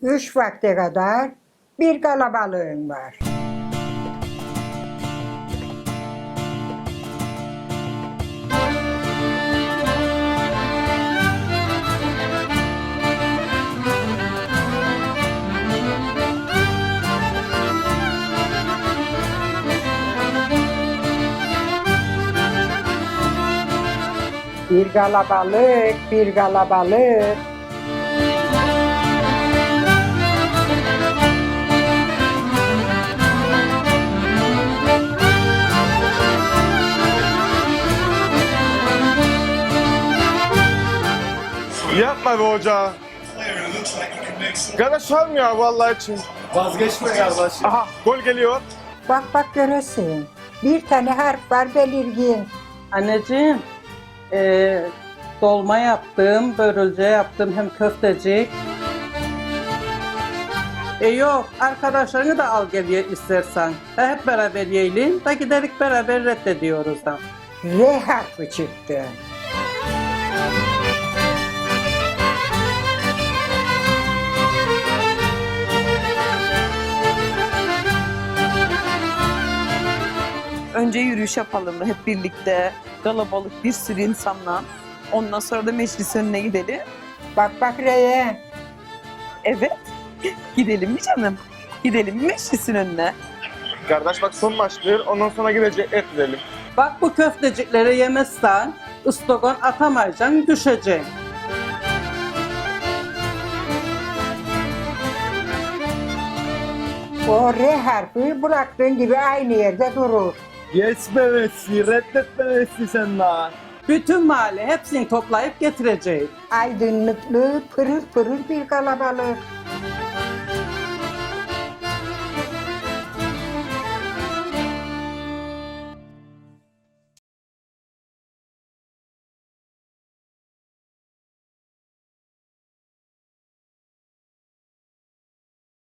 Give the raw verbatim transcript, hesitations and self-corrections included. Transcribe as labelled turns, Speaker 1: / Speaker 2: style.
Speaker 1: Üç vakte kadar bir kalabalığın var. Bir kalabalık, bir kalabalık.
Speaker 2: Yapma be hoca. Kardeş var mı ya vallahi için?
Speaker 3: Vazgeçme kardeşim.
Speaker 2: Aha gol geliyor.
Speaker 1: Bak bak göresin. Bir tane harf var belirgin.
Speaker 4: Anneciğim, eee, dolma yaptım, börülce yaptım, hem köftecik. E yok, arkadaşlarını da al gel ye istersen. Ha, hep beraber yiyelim, da giderek beraber reddediyoruz da.
Speaker 1: R harfi çıktı.
Speaker 5: Önce yürüyüş yapalım hep birlikte, kalabalık bir sürü insanla. Ondan sonra da meclis önüne gidelim.
Speaker 1: Bak bak R'ye.
Speaker 5: Evet, gidelim mi canım? Gidelim mi meclisin önüne?
Speaker 2: Kardeş bak son maçtır ondan sonra gidecek et edelim.
Speaker 4: Bak bu köftecikleri yemezsen, ıstogon atamayacaksın, düşeceksin.
Speaker 1: O R harfi bıraktığın gibi aynı yerde durur.
Speaker 3: Geçme Messi, reddetme Messi sen daha.
Speaker 4: Bütün mahalle hepsini toplayıp getireceğiz.
Speaker 1: Aydınlıklı, pırıl pırıl bir kalabalık.